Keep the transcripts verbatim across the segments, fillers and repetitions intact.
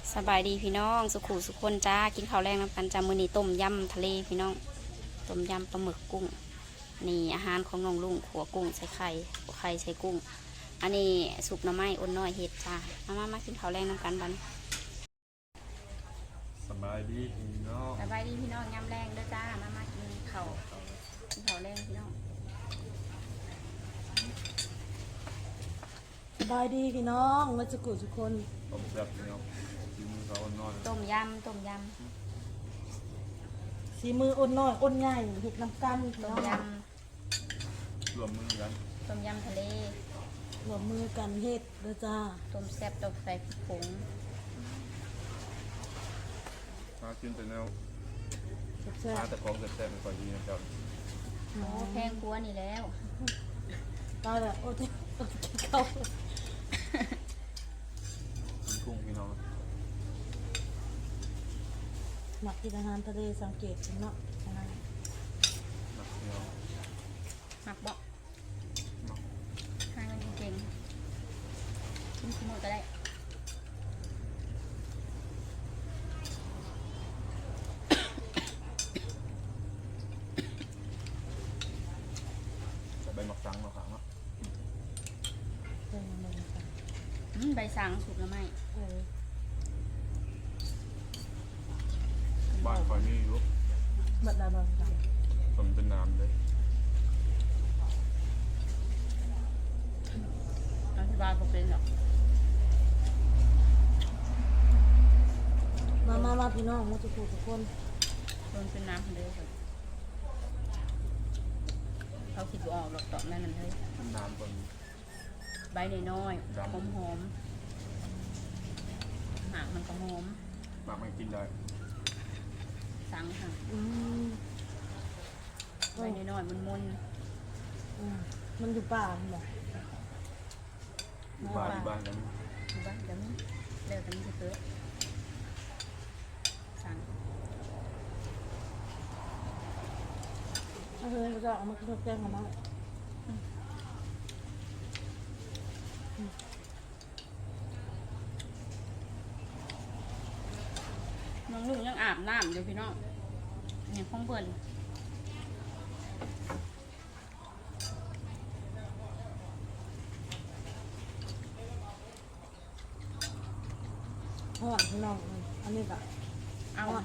สบายดีพี่น้องสุขุสุขคนจ้ากินข้าวแรงน้ำกันจ้ามื้อนี้ต้มยำทะเลพี่น้องต้มยำปลาหมึกกุ้งนี่อาหารของน้องลุงขัวกุ้งใส่ไข่ขัวไข่ใส่กุ้งอันนี้สุกหน่อไม้อ้นน้อยเห็ดจ้ามามามากินข้าวแรงน้ำกันบันสบายดีพี่น้องสบายดีพี่น้องยำแรงเด้อจ้ามามากินข้าวกินข้าวแรงพี่น้องสบายดีพี่น้องมาจุกุทุกคนต้มแซ่บพี่น้องกินเขานอนต้มยำต้มยสีมืออ้นน้อยอ้นใหญ่เห็ดน้ำกันำต้มยรวมมือกันำต้มยำทะเลรวมมือกันเห็ดเด้อจ้าต้มแซ่บต้มใส่ผงมากินแต่แนวแซ่บมาแต่ของแซ่บๆไม่ค่อยดีนะเจ้าโอ้แพงกลัวนี่แล้วตายแล้วโอ้ยเข้ากินกุ้งพี่น้องหมักกินอาหารทะเลสังเกตเนาะอาหารหนักพี่น้องหมักบอกให้มันเก่งๆกินขโมยก็ได้ใบหมักสังมาขางเนาะใบสังสุกแล้วไหมบ้านคอยมีอยู่บัดดาบังกันต้มเป็นน้ำเลยอธิบายผมเป็นหรอกมามามาพี่น้องมาจุกุทุกคนต้นเป็นน้ำคนเดียวเลยเขาคิดว่าออกหรอกตอบแม่นั่นเลยเป็นน้ำก่อนใบน้อยๆหอมหอมหางมันก็หอมหมักมันกินได้สังค่ะใบน้อยๆมันมุนมันอยู่ป่าหรออยู่บ้านอยู่บ้านกันอยู่บ้านกันเร็วกันจะเกิดสังเฮ้ยก็จะเอามากินแกงกันเนาะน้องลุงยังอาบน้ำอยู่พี่น้องเนี่ยห้องเปิดห่อนพี่น้องอันนี้แบบเอาเนาะ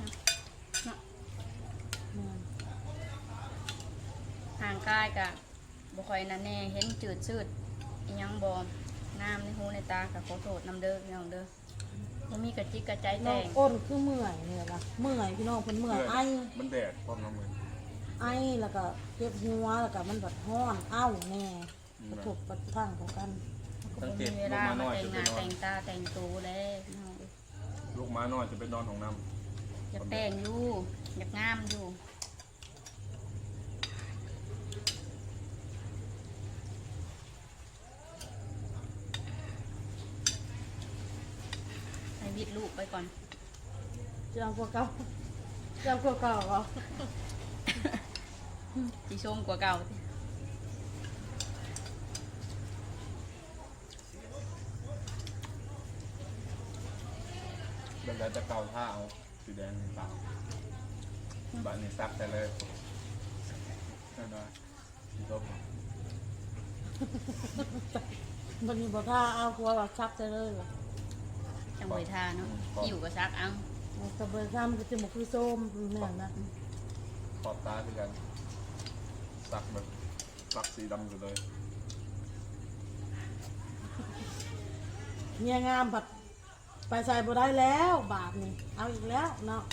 ห่างกายกะบ่ค่อยนั่นแน่เห็นจืดชืดยังบ่น้ำในหูในตากับขอโทษน้ำเด้อพี่น้องเด้อมันมีกระจิกกระใจแตงอ้นคือเมื่อยเนี่ยละเมื่อยพี่น้องเป็นเมื่อยไอมันแดดพร้อมน้ำมือไอแล้วก็เจ็บหัวแล้วก็มันแบบห้อนอ้าวแน่กระทบกระทั่งของกันสังเกตเวลามาแต่งหน้าแต่งตาแต่งตัวแล้วลูกม้าน้อยจะเป็นนอนของน้ำอยากแต่งอยู่อยากงามอยู่ให้วิดลูกไปก่อนเจ้ากว่าเก่าเจ้ากว่าเก่าเหรอสีส้มกว่าเก่าเดี๋ยวจะเกาผ้าเอาสีแดงเปล่าบ้านนี้ซักแต่เลยนั่นได้สีส้มมันมีบ่ท่าเอาหัวแบบซักจะเลยเหรอจังหวะท่าเนาะอยู่กับซักเอากระเบื้องซ้ำก็จะมาคือส้มเนี่ยนะขอบตาคือกันซักแบบซักสีดำอยู่เลยเนี่ยงามผัดไปใส่บ่ได้แล้วบาทนี่เอาอีกแล้วเนาะ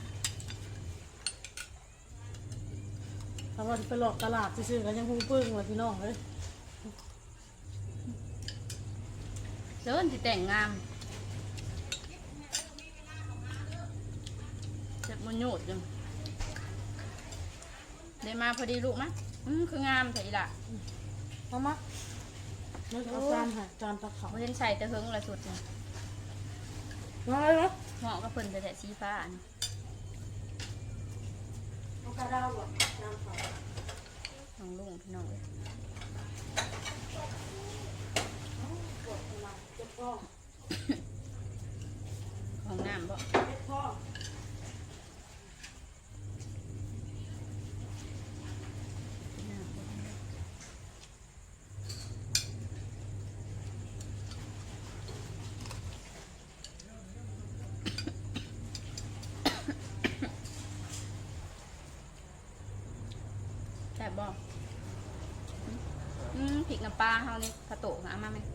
ถ้าว่าไปหลอกตลาดซื้อๆกันยังพุ่งปึ้งเลยพี่น้องเลยเดินที่แต่งงามเจ็บมันโยดจังได้มาพอดีลูกมั้ยอืมคืองามใส่ละเอามาไม่เอาจานค่ะจานตะเขาไม่เห็นใส่แต่เฮิงละสุดเลยมาเลยเหมาะกับเพิ่นแต่แต่สีฟ้าอันเอากระดาษแบบน้ำเขาน้องลุงพี่น้องเลยขห้องน้ำบ่พ่อแซ่บบ่อืมพริกน้ำปลาเฮานี่ผะโตะเอามาไหม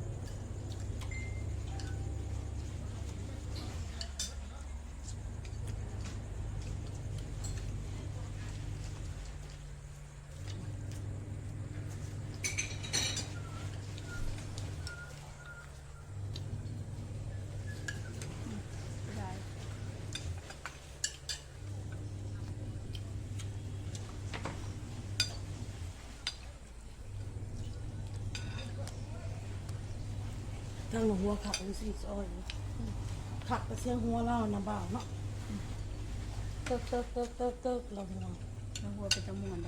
ได้ทางหัวขับอุ้งสีซอยขับไปเสียงหัวเล่านะบ่าวเนาะเติกเติกเติกเติกเติกเราหัวแล้วหัวเป็นจมวนได้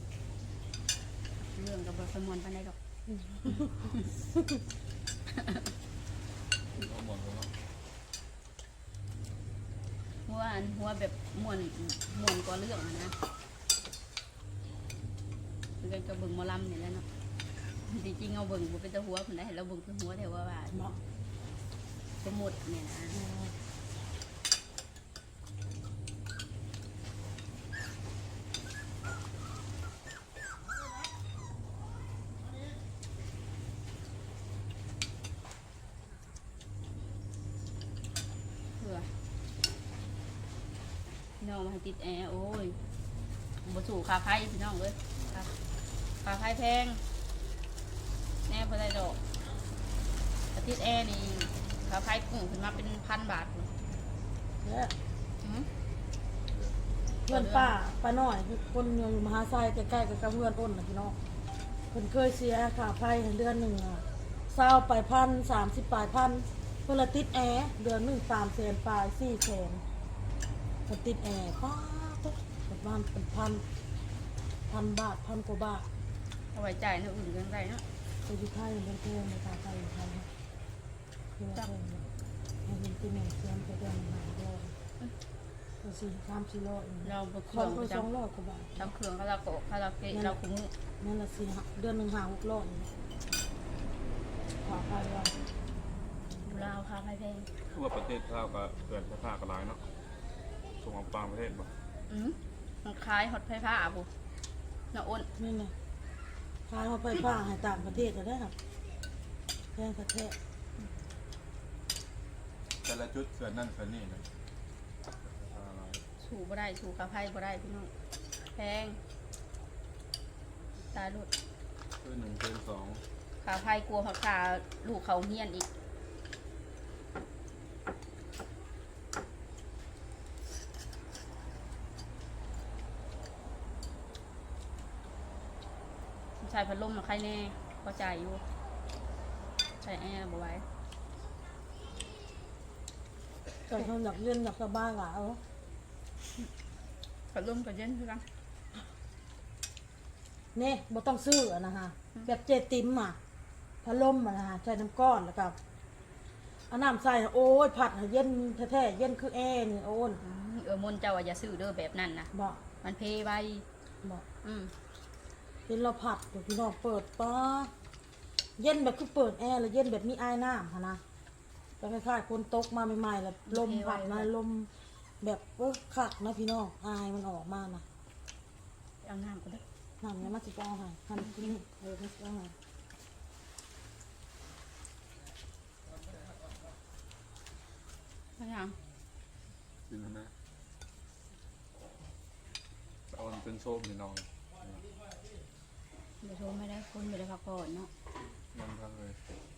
เรื่องกับบทสมวนปานใดดอกเอาหมดแล้วเนาะหัวอันหัวแบบมวนมวนกว่าเรื่องอะนะคือกันกับเบิ่งหมอลำนี่แหละเนาะจริงๆเอาเบิ่งบ่เป็นตะหัวคนได้เราเบิ่งคือหัวแต่ว่าว่าเนาะสมมุติเนี่ยนะเพื่อพี่น้องมาให้ติดแอร์โอ้ยบ่สู่ค่าไฟพี่น้องเอ้ยค่าค่าไฟแพงแน่บ่ได้ดอกแต่ติดแอร์นี่ค่าไฟกุ้งขึ้นมาเป็นพันบาทพุ่นเนี่ยอืมเพื่อนป้าป้าน้อยคือคนอยู่มหาไซใกล้ๆกับกับเพื่อนอ้นนะพี่น้องเพิ่นเคยเสียค่าไฟเดือนหนึ่งอ่ะเศร้าไปพันสามสิบปลายพันเพื่อนละติดแอร์เดือนหนึ่งสามแสนปลายสี่แสนเพิ่นติดแอร์ป้าตุ๊กประมาณเป็นพันพันบาทพันกว่าบาทเอาไว้จ่ายเท่าอื่นกันได้เนาะไปอยู่ไทยเป็นเพื่อนในค่าไฟอยู่ไทยครับคือว่าเพิ่นเนี่ยให้เห็นที่แม่เสียมไปเดือนหนึ่งหลายร้อยก็สี่สามสี่ร้อยเองเราบ่เคสรื่ออง งร้อยจสองร้อยกว่าบาทำจำเครื่องคาราโกะคาราเกะเราคุ้มอนั่นละสี่ห้าเดือนหนึ่งหาหกร้อยขอไปว่ายู่ลาวค่าไฟแพงคือว่าประเทศข้าวกับเกิดไฟฟ้ากระไรเนาะส่งออกต่างประเทศบ่อืมมันคล้ายฮอตไฟฟ้าบุน่ะอ้นนี่ไงพาเขาไปฟ้าให้ต่างประเทศจะได้ครับแพงประเทศแต่ละจุดเกิดนั่นเกิดนี่นะอะไรสู่บ่ได้สู่ค่าไฟบ่ได้พี่น้องแพงตายลุดคือหนึ่งเป็นสองค่าไฟกลัวเขาค่าลูกเขาเฮียนอีกใช้พัดลมมาใครแน่ก็จ่ายอยู่ใช้แอร์บ่ไหว้แต่เขาอยากเรียนอยากสบายหลายเอาพัดลมก็เย็นคือกันเนี่ยบ่ต้องซื้ออะนะฮะแบบเจติมอ่ะพัดลมอ่ะนะฮะใส่น้ำก้อนแล้วก็เอาน้ำใส่น่ะโอ้ยผัดให้เย็นแท้ๆเย็นคือแอร์นี่โอ้นอืมเออมนต์เจ้าว่าอย่าซื้อเด้อแบบนั้นนะบอกมันเพไว้บอกอืมเย็นเราผัดเดี๋ยวพี่น้องเปิดป้าเย็นแบบคือเปิดแอร์แล้วเย็นแบบมีไอ้น้ำค่ะนะจะคล้ายๆคนตกมาใหม่ๆแล้วลมผัดมาลมแบบเออขักนะพี่น้องอายมันออกมานะเอาน้ำก็ได้น้ำเนี่ยมาสิบเอาให้ทำกินเออมาสิบเอาให้ไม่ยังกินนะเอามันเป็นโซมนี่น้องเดี๋ยวโทรไม่ได้คนไม่ได้พักผ่อนเนาะมันพังเลย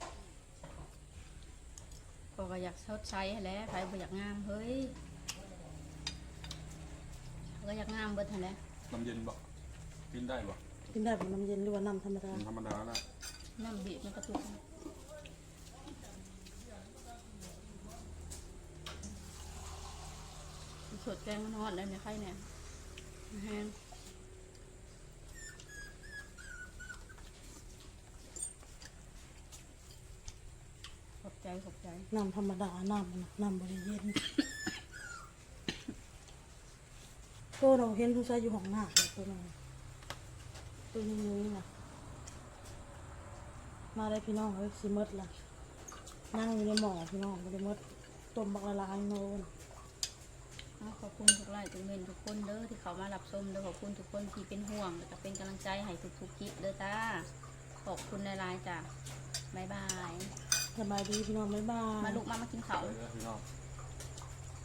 ก็ก็อยากชดใช้ให้แหล้วใครบ่อยากงามเฮ้ยก็อยากงามเบิดหั่นแหละน้ำเย็นบ่กินได้บ่กินได้เป็นน้ำเย็นหรือว่าน้ำธรรมดามันธรรมดาละน้ำบีบมันกระตุกสดแกงมันฮอดแล้วเนี่ยใครเนี่ยแห้งขอบใจขอบใจน้ำธรรมดาน้ำมันน่ะน้ำบริเย็นตัวเราเห็นทุกชายอยู่ห้องหน้าเลยตัวนั้นตัวนี้นี่นะมาได้พี่น้องเอ้ยสิหมดละนั่งอยู่ในหม้อพี่น้องไม่ได้หมดต้มบักละลายโน่นขอบคุณทุกไลค์ทุกเมนทุกคนเด้อที่เขามารับชมเด้อขอบคุณทุกคนที่เป็นห่วงแล้วก็เป็นกำลังใจให้ทุกๆคลิปเด้อจ้าขอบคุณในไลน์จ้ะบ๊ายบายสบายดีพี่น้องบ๊ายบายมาลูกมามากินข้าวไปเลยพี่น้อง